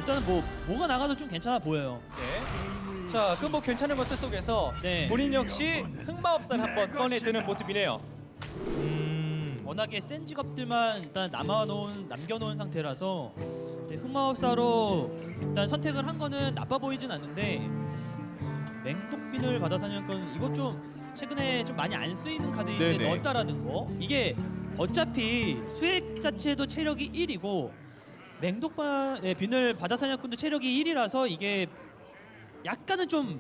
일단은 뭐가 나가도 좀 괜찮아 보여요. 네. 자, 그 뭐 괜찮은 것들 속에서 네. 본인 역시 흑마법사를 한번 꺼내드는 모습이네요. 워낙에 센 직업들만 일단 남겨놓은 상태라서 흑마법사로 일단 선택을 한 거는 나빠 보이진 않는데 맹독빈을 받아 사냥꾼 이거 좀 최근에 좀 많이 안 쓰이는 카드인데 네네. 넣었다라는 거 이게 어차피 수액 자체도 체력이 1이고 맹독빈을 받아 사냥꾼도 체력이 1이라서 이게 약간은 좀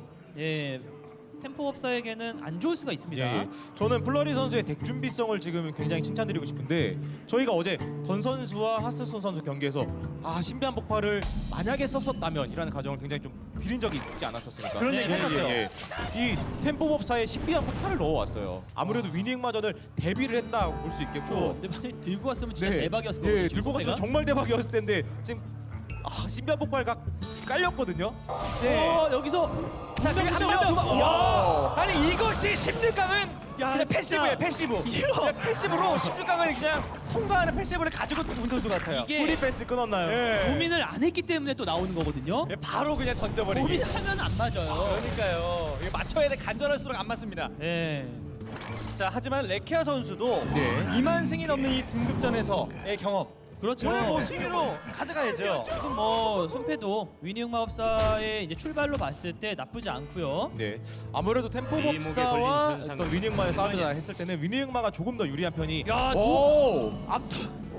템포법사에게는 안 좋을 수가 있습니다. 예. 저는 플러리 선수의 덱 준비성을 지금 굉장히 칭찬드리고 싶은데 저희가 어제 던 선수와 하스손 선수 경기에서 신비한 폭발을 만약에 썼었다면이라는 가정을 굉장히 좀 드린 적이 있지 않았었습니까? 그런 얘기 했었죠. 이 템포법사의 신비한 폭발을 넣어왔어요. 아무래도 위닝마저를 대비를 했다 볼 수 있겠고. 근데 만약 들고 왔으면 진짜 대박이었을 거예요. 예, 들고 갔으면 정말 대박이었을 텐데 지금 신비한 폭발각 깔렸거든요. 네. 여기서 자, 그리고 한 명, 와! 아니 이것이 16강은 그냥 패시브예요, 패시브. 그냥 패시브로 16강을 그냥 통과하는 패시브를 가지고 온 선수 같아요. 이게 프리 패스 끊었나요? 예. 고민을 안 했기 때문에 또 나오는 거거든요. 예, 바로 그냥 던져버리기. 고민하면 안 맞아요. 그러니까요. 이거 맞춰야 돼. 간절할수록 안 맞습니다. 네. 자, 하지만 레키아 선수도 네. 2만 승이 넘는 이 등급전에서의 경험. 그렇죠. 오늘 뭐 승리로 가져가야죠. 지금 뭐 손패도 위닝 마법사의 이제 출발로 봤을 때 나쁘지 않고요. 네. 아무래도 템포법사와 어떤 위닝마의 싸움이다 했을 때는 위닝마가 조금 더 유리한 편이. 야, 오! 압도.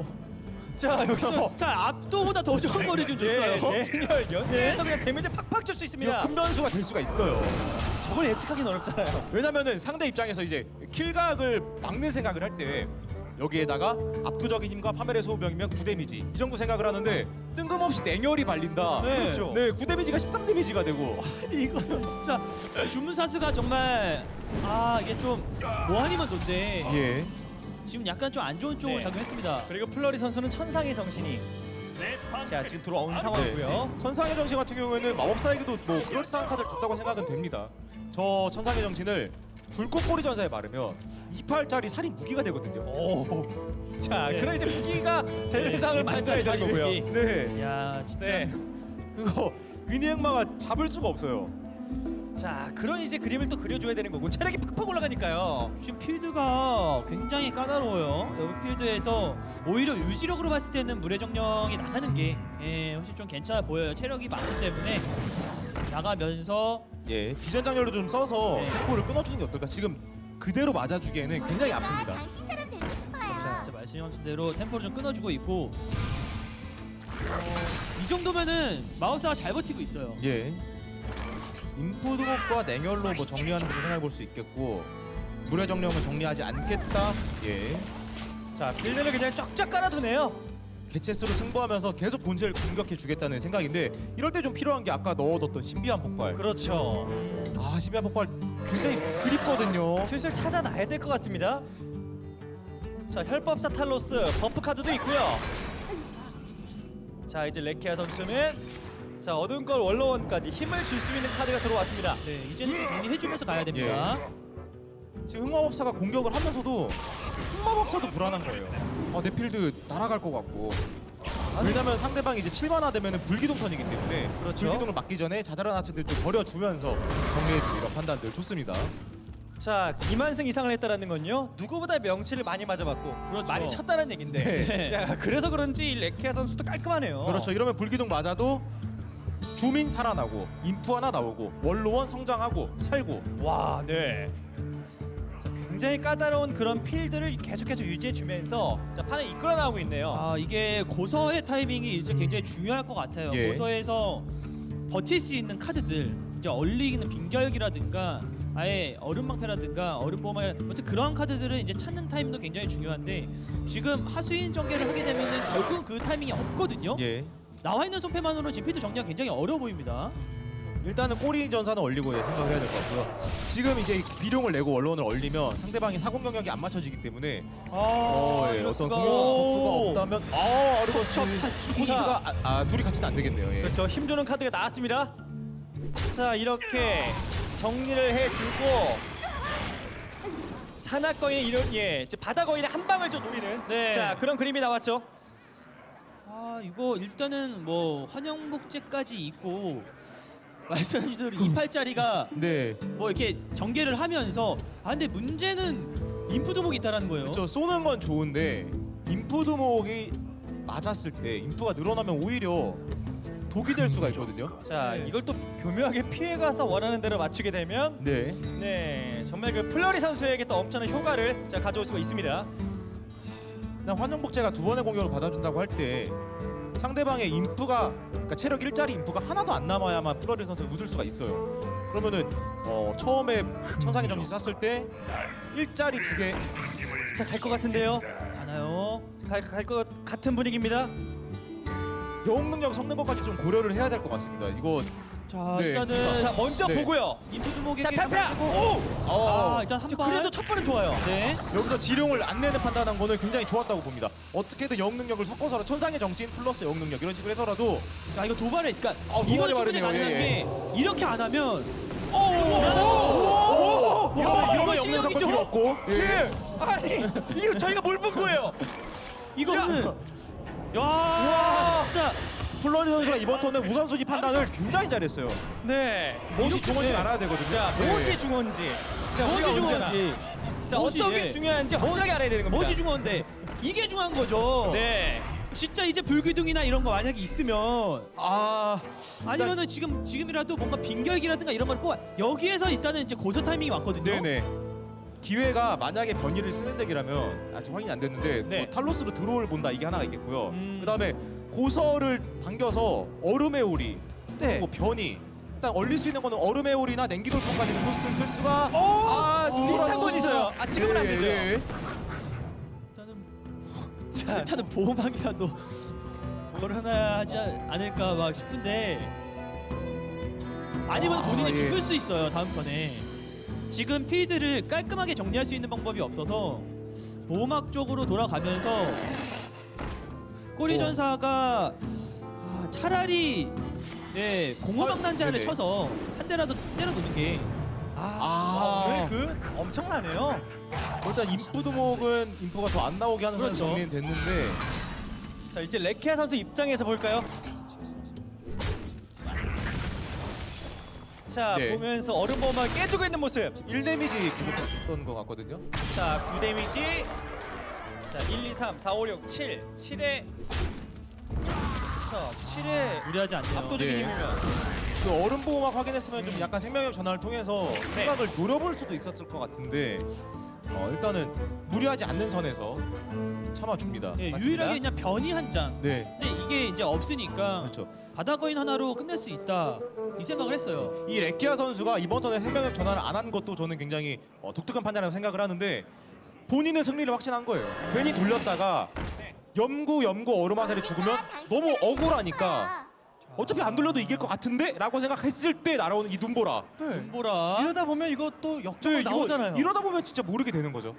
자, 여기서 자, 압도보다 더 좋은 거리 좀 줬어요. 대열 연계해서 그냥 데미지 팍팍 줄 수 이거 있습니다. 큰 변수가 될 수가 있어요. 저걸 예측하기는 어렵잖아요. 왜냐면은 상대 입장에서 이제 킬각을 막는 생각을 할 때 여기에다가 압도적인 힘과 파멸의 소우병이면 9데미지 이 정도 생각을 하는데 뜬금없이 냉혈이 발린다. 네. 그렇죠. 네, 9데미지가 13데미지가 되고. 아니, 이거는 진짜 주문사수가 정말 이게 좀 뭐하니만 돈데 예. 지금 약간 좀 안 좋은 쪽으로 네. 작용했습니다. 그리고 플러리 선수는 천상의 정신이 자 지금 들어온 상황이고요. 천상의 정신 같은 경우에는 마법사에게도 뭐 그럴싸한 카드를 줬다고 생각은 됩니다. 저 천상의 정신을 불꽃꼬리 전사에 바르면 28짜리 살인 무기가 되거든요. 오. 자, 그럼 이제 무기가 대상을 만져야 되는 거고요. 무기. 네. 야, 진짜. 네. 그거 위니 흑마가 잡을 수가 없어요. 자, 그런 이제 그림을 또 그려줘야 되는 거고 체력이 팍팍 올라가니까요. 지금 필드가 굉장히 까다로워요. 여기 필드에서 오히려 유지력으로 봤을 때는 물의 정령이 나가는 게 훨씬 좀 괜찮아 보여요. 체력이 많기 때문에 나가면서 예, 비전 장렬로 좀 써서 네. 템포를 끊어주는 게 어떨까? 지금 그대로 맞아주기에는 굉장히 아픕니다. 당신처럼 되고 싶어요. 진짜 말씀하신 대로 템포를 좀 끊어주고 있고 이 정도면은 마우스가 잘 버티고 있어요. 예. 인푸드곡과 냉혈로 뭐 정리하는 것도 생각해 볼 수 있겠고 물의 정령은 정리하지 않겠다. 예. 자, 빌드를 그냥 쫙쫙 깔아두네요. 개체수로 승부하면서 계속 본체를 공격해 주겠다는 생각인데 이럴 때 좀 필요한 게 아까 넣어뒀던 신비한 폭발. 그렇죠. 신비한 폭발 굉장히 그립거든요. 슬슬 찾아놔야 될 것 같습니다. 자, 혈법사 탈로스 버프 카드도 있고요. 자, 이제 레키아 선수는 자 어두운 걸 원로원까지 힘을 줄 수 있는 카드가 들어왔습니다. 네, 이제는 좀 정리해주면서 가야 됩니다. 지금 흑마법사가 공격을 하면서도 흑마법사도 불안한 거예요. 내 필드 날아갈 것 같고. 왜냐면 상대방이 이제 7만화 되면은 불기둥 턴이기 때문에 그렇죠. 불기둥을 맞기 전에 자잘한 아츠들 좀 버려주면서 정리해주고 이런 판단들 좋습니다. 자, 2만승 이상을 했다라는 건요 누구보다 명치를 많이 맞아봤고 그렇죠. 많이 쳤다는 얘긴데 네. 야, 그래서 그런지 이 레키아 선수도 깔끔하네요. 그렇죠. 이러면 불기둥 맞아도 주민 살아나고 인프 하나 나오고 원로원 성장하고 살고. 와, 네. 자, 굉장히 까다로운 그런 필드를 계속해서 유지해주면서 자 판을 이끌어 나오고 있네요. 이게 고서의 타이밍이 이제 굉장히 중요할 것 같아요. 예. 고서에서 버틸 수 있는 카드들, 이제 얼리기는 빙결기라든가 아예 얼음방패라든가 얼음보마 아무튼 그런 카드들은 이제 찾는 타이밍도 굉장히 중요한데 지금 하수인 전개를 하게 되면은 결국 그 타이밍이 없거든요. 예. 나와 있는 손패만으로 지금 필드 정리가 굉장히 어려워 보입니다. 일단은 꼬리 전사는 얼리고 생각을 해야 될 것 같고요. 지금 이제 비룡을 내고 원론을 얼리면 상대방이 사공 경력이 안 맞춰지기 때문에 아, 예, 이럴 어떤 수가. 공격 없다면 어르버스 사주기. 코스가 둘이 같이 안 되겠네요. 예. 그렇죠. 힘주는 카드가 나왔습니다. 자, 이렇게 정리를 해주고 산악거인의 이런 이제 바다거인의 한 방을 좀 노리는 네. 자 그런 그림이 나왔죠. 아 이거 일단은 뭐 환영복제까지 있고 말씀하신 대로 28짜리가 네. 뭐 이렇게 전개를 하면서 근데 문제는 인프드목이 있다라는 거예요. 그렇죠. 쏘는 건 좋은데 인프드목이 맞았을 때 인프가 늘어나면 오히려 독이 될 수가 있거든요. 자, 네. 이걸 또 교묘하게 피해가서 원하는 대로 맞추게 되면 네. 네, 정말 그 플러리 선수에게 또 엄청난 효과를 자, 가져올 수가 있습니다. 그냥 환영복제가 두 번의 공격을 받아준다고 할 때 상대방의 인프가 그러니까 체력 1짜리 인프가 하나도 안 남아야만 플러리 선수를 웃을 수가 있어요. 그러면은 처음에 천상의 정신 쐈을 때 1짜리 2개 자, 갈 것 같은데요. 가나요? 갈 것 같은 분위기입니다. 영웅 능력 섞는 것까지 좀 고려를 해야 될 것 같습니다. 이거 자 네. 일단은 자, 먼저 네. 보고요. 인프드목에게 자, 펴펴. 오! 어, 일단 한 자, 발. 그래도 첫 번은 좋아요. 네. 여기서 지룡을 안 내는 판단한 거는 굉장히 좋았다고 봅니다. 어떻게든 영웅 능력을 섞어서 천상의 정신 플러스 영웅 능력 이런 식으로 해서라도 자 이거 도발에 그러니까 도발이 이건 충분히 빠르네요. 가능한 예, 게 이렇게 안 하면 이런 거 영웅 실력이죠? 섞을 필요 없고 예. 아니, 이거 저희가 뭘 본 거예요? 이거는 야 진짜 플러리 선수가 이번 턴은 우선순위 판단을 굉장히 잘했어요. 네. 무엇이 이렇게 중요한지 네. 알아야 되거든요. 자, 네. 무엇이 중요한지. 자, 무엇이 우리가 언제나. 중요한지 자, 무엇이, 어떤 게 예. 중요한지 확실하게 알아야 되는 겁니다. 무엇이 중요한데 이게 중요한 거죠. 네. 진짜 이제 불기둥이나 이런 거 만약에 있으면 아 아니면은 지금이라도 뭔가 빈결기라든가 이런 걸 뽑아 여기에서 일단은 이제 고소 타이밍이 왔거든요. 네네. 기회가 만약에 변이를 쓰는 덱이라면 아직 확인이 안 됐는데 네. 뭐 탈로스로 드로우를 본다 이게 하나가 있겠고요. 음. 그다음에 고서를 당겨서 얼음의 오리 네. 그리고 변이 일단 얼릴 수 있는 거는 얼음의 오리나 냉기돌풍까지는 코스트를 쓸 수가 비슷한 곳이 있어요. 아, 지금은 안 되죠. 일단은 보호막이라도 걸어놔야 하지 않을까 막 싶은데 아니면 본인이 예. 죽을 수 있어요 다음 턴에. 지금 필드를 깔끔하게 정리할 수 있는 방법이 없어서 보호막 쪽으로 돌아가면서 꼬리 전사가 차라리 공허막 난자를 네네. 쳐서 한 대라도 때려놓는 게 오늘 그 엄청나네요. 일단 인프드목은 인프가 더 안 나오게 하는 그렇죠. 정리는 됐는데 자, 이제 레키아 선수 입장에서 볼까요? 자, 네. 보면서 얼음 보호막 깨지고 있는 모습. 1데미지 기록했던 것 같거든요. 자, 9데미지. 자, 1, 2, 3, 4, 5, 6, 7. 7에 자, 7에 무리하지 않네요. 압도적인 예. 힘이면. 그 얼음 보호막 확인했으면 좀 약간 생명력 전환을 통해서 네. 생각을 노려볼 수도 있었을 것 같은데 일단은 무리하지 않는 선에서 참아줍니다. 예, 맞습니다. 유일하게 그냥 변이 한 장. 네, 근데 이게 이제 없으니까 그렇죠. 바다거인 하나로 끝낼 수 있다 이 생각을 했어요. 이 레키아 선수가 이번 턴에 생명력 전환을 안 한 것도 저는 굉장히 독특한 판단이라고 생각을 하는데 본인은 승리를 확신한 거예요. 괜히 돌렸다가 염구 얼음 화살이 죽으면 너무 억울하니까 어차피 안 돌려도 이길 것 같은데? 라고 생각했을 때 날아오는 이 눈보라. 눈보라. 이러다 보면 이거 또 역적으로 이거 나오잖아요. 이러다 보면 진짜 모르게 되는 거죠.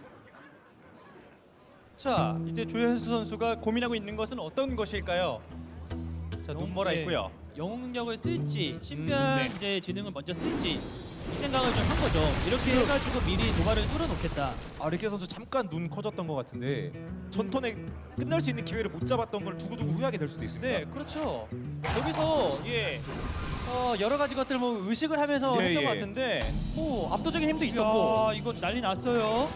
자, 이제 조현수 선수가 고민하고 있는 것은 어떤 것일까요? 자, 눈보라 예, 있고요. 영웅 능력을 쓸지 신변 네. 이제 지능을 먼저 쓸지 이 생각을 좀 한 거죠. 이렇게 해가지고 미리 도발을 뚫어놓겠다. 레키아 선수 잠깐 눈 커졌던 것 같은데 전턴에 끝날 수 있는 기회를 못 잡았던 걸 두고두고 후회하게 될 수도 있습니다. 네, 그렇죠. 여기서 여러 가지 것들 뭐 의식을 하면서 예, 했던 예. 것 같은데, 압도적인 힘도 있었고. 야, 이거 난리 났어요.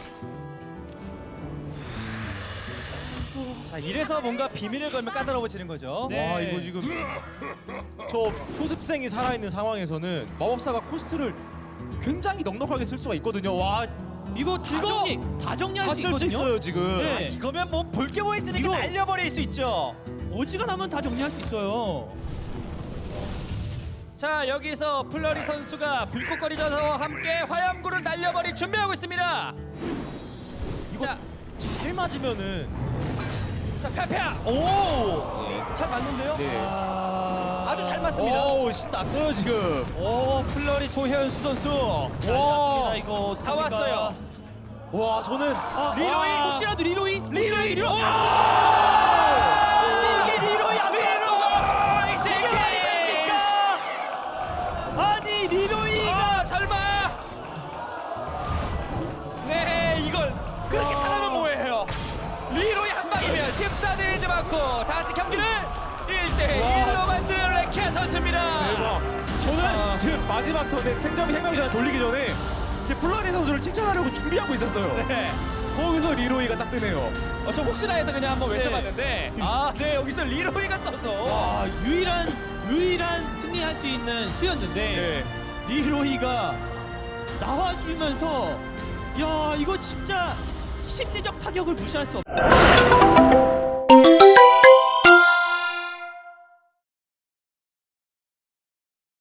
자, 이래서 뭔가 비밀을 걸면 까다로워지는 거죠. 네. 와 이거 지금 저 수습생이 살아있는 상황에서는 마법사가 코스트를 굉장히 넉넉하게 쓸 수가 있거든요. 와, 이거 다 정리할 수 다쓸 수 있거든요. 있어요 지금. 네. 이거면 뭐 볼 게 뭐 있으니까 이거- 날려버릴 수 있죠. 어지간하면 다 정리할 수 있어요. 자, 여기서 플러리 선수가 불꽃거리자와 함께 화염구를 날려버릴 준비하고 있습니다. 이거 자, 잘 맞으면은 자, 펴펴. 오, 잘 맞는데요? 네. 아주 잘 맞습니다. 오, 신났어요 지금. 오, 플러리 조현수 선수. 난리났습니다 이거. 다 왔어요. 와, 저는 리로이 혹시라도 리로이? 리로이. 리로이? 이게 리로이 안 리로이. 이제 이게 아닙니까? 아니 리로이가 설마. 네, 이걸 그렇게 잘하면 뭐예요? 리로이 한 방이면 14대1즈 맞고 다시 경기를 순간 지금 마지막 턴에 생점이 생명이 전에 돌리기 전에 이제 플라니 선수를 칭찬하려고 준비하고 있었어요. 네. 거기서 리로이가 딱 뜨네요. 저 혹시나 해서 그냥 한번 외쳐봤는데 네 여기서 리로이가 떠서 와, 유일한 승리할 수 있는 수였는데 네. 리로이가 나와주면서 야, 이거 진짜 심리적 타격을 무시할 수 없.